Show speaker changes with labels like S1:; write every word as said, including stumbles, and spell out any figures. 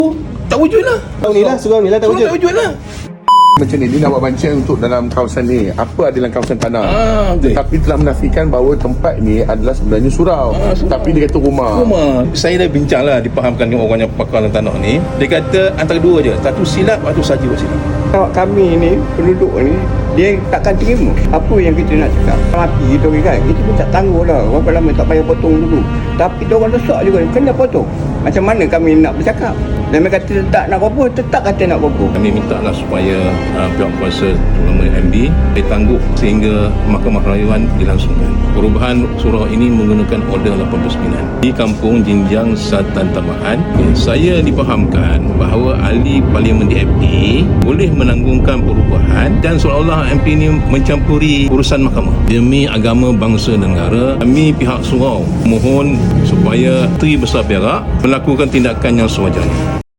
S1: tak wujud lah.
S2: Surau ni lah, surau ni lah tak
S1: Surau
S2: wujud.
S1: tak wujud lah.
S3: Macam ni, dia nak buat bancaan untuk dalam kawasan ni. Apa ada dalam kawasan tanah.
S1: Ah, betul.
S3: Tetapi telah menafikan bahawa tempat ni adalah sebenarnya surau.
S1: Ah, surau.
S3: Tapi dia kata rumah.
S1: Rumah. Saya dah bincang lah, dipahamkan dengan orang yang pakar dalam tanah ni. Dia kata antara dua je. Satu silap, satu saja silap.
S4: Awak kami ni, penduduk ni, dia takkan terima apa yang kita nak cakap. Mati kita kan, kita pun tak tangguh lah. Berapa lama tak payah potong dulu. Tapi dia orang rosak juga, kena potong. Macam mana kami nak bercakap? Dan mereka kata tak nak apa-apa, tetap kata nak apa-apa.
S1: Kami minta lah supaya uh, pihak kuasa terutama M D ditangguk sehingga Mahkamah Rayuan dilangsungkan. Perubahan surau ini menggunakan Order lapan puluh sembilan di Kampung Jinjang Satan Tambahan. Saya dipahamkan bahawa ahli Parlimen D A P boleh menanggungkan perubahan dan seolah-olah M P ini mencampuri urusan mahkamah. Demi agama, bangsa dan negara, kami pihak surau mohon supaya Menteri Besar Perak melakukan tindakan yang sewajarnya.